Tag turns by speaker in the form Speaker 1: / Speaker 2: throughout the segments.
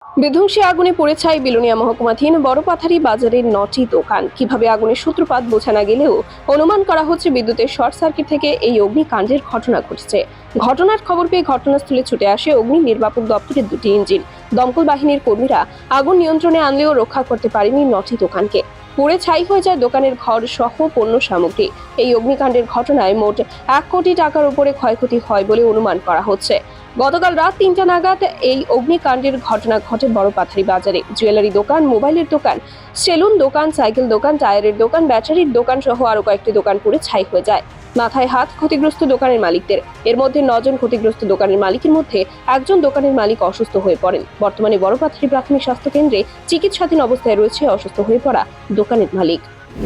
Speaker 1: বিধ্বংসী আগুনে পুড়ে ছাই বিলোনিয়া মহকুমাধীন বড়পাথারি বাজারের 9টি দোকান। কিভাবে আগুনের সূত্রপাত বোঝা না গেলেও অনুমান করা হচ্ছে বিদ্যুতের শর্ট সার্কিট থেকে এই অগ্নিকাণ্ডের ঘটনা ঘটেছে। ঘটনার খবর পেয়ে ঘটনাস্থলে ছুটে আসে অগ্নি নির্বাপক দপ্তরের 2টি ইঞ্জিন। দমকল বাহিনীর কর্মীরা আগুন নিয়ন্ত্রণে আনলেও রক্ষা করতে পারেনি 9টি দোকানকে। পুড়ে ছাই হয়ে যায় দোকানের ঘর সহ পণ্য সামগ্রী। এই অগ্নিকাণ্ডের ঘটনায় মোট 1 কোটি টাকার উপরে ক্ষয়ক্ষতি হয় বলে অনুমান করা হচ্ছে। গতকাল রাত 3টা নাগাদ এই অগ্নিকাণ্ডের ঘটনা ঘটে বড়পাথারি বাজারে। জুয়েলারি দোকান, মোবাইলের দোকান, সেলুন দোকান, সাইকেল দোকান, টায়ারের দোকান, ব্যাটারির দোকান সহ আরো কয়েকটি দোকান পুড়ে ছাই হয়ে যায়। মাথায় হাত ক্ষতিগ্রস্ত দোকানের মালিকদের। এর মধ্যে 9 জন ক্ষতিগ্রস্ত দোকানের মালিকের মধ্যে একজন দোকানের মালিক অসুস্থ হয়ে পড়েন। বর্তমানে বড়পাথারি প্রাথমিক স্বাস্থ্য কেন্দ্রে চিকিৎসাধীন অবস্থায় রয়েছে অসুস্থ হয়ে পড়া দোকানের মালিক।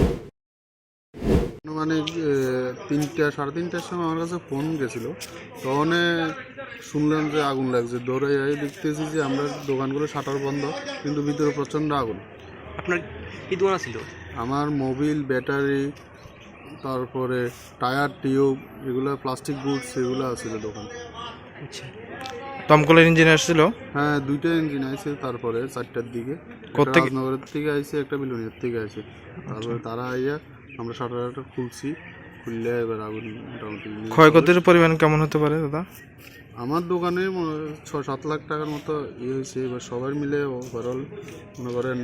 Speaker 2: মানে 3টা, 3:30টার সময় আমার কাছে ফোন গেছিলো। তখন শুনলাম যে আগুন লাগছে। দৌড়ে যাই দেখতেছি যে আমরা দোকানগুলো শাটার বন্ধ, কিন্তু ভিতরে প্রচণ্ড আগুন।
Speaker 3: আপনার কি দোকান ছিল?
Speaker 2: আমার মোবিল, ব্যাটারি, তারপরে টায়ার, টিউব, এগুলো প্লাস্টিক গুডস, এগুলো আছিল দোকান।
Speaker 3: আচ্ছা,
Speaker 4: দমকলের ইঞ্জিন আসছিল?
Speaker 2: হ্যাঁ, 2টা ইঞ্জিন আইছে। তারপরে 4টার দিকে
Speaker 4: কোত্থেকে?
Speaker 2: রাজনগরের থেকে আইছে, একটা বিলুনিয়ার থেকে আইছে। তারপরে তারা আইয়া আমরা শাটার খুলছি, খুললে এবার আগুন মোটামুটি।
Speaker 4: ক্ষয়ক্ষতির পরিমাণ কেমন হতে পারে দাদা?
Speaker 2: আমার দোকানে 6-7 লাখ টাকার মতো হয়েছে। এবার সবাই মিলে ওভারঅল মনে করেন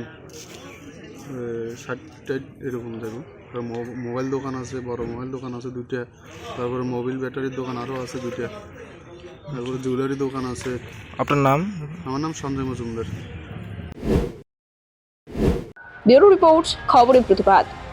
Speaker 2: 60-টাই এরকম দেখুন। মোবাইল দোকান আছে, বড় মোবাইল দোকান আছে 2টা, তারপরে মোবিল ব্যাটারির দোকান আরও আছে 2টা, তারপরে জুয়েলারি দোকান আছে।
Speaker 4: আপনার নাম?
Speaker 2: আমার নাম সঞ্জয় মজুমদার।
Speaker 1: ব্যুরো রিপোর্ট, খবরের প্রতিবাদ।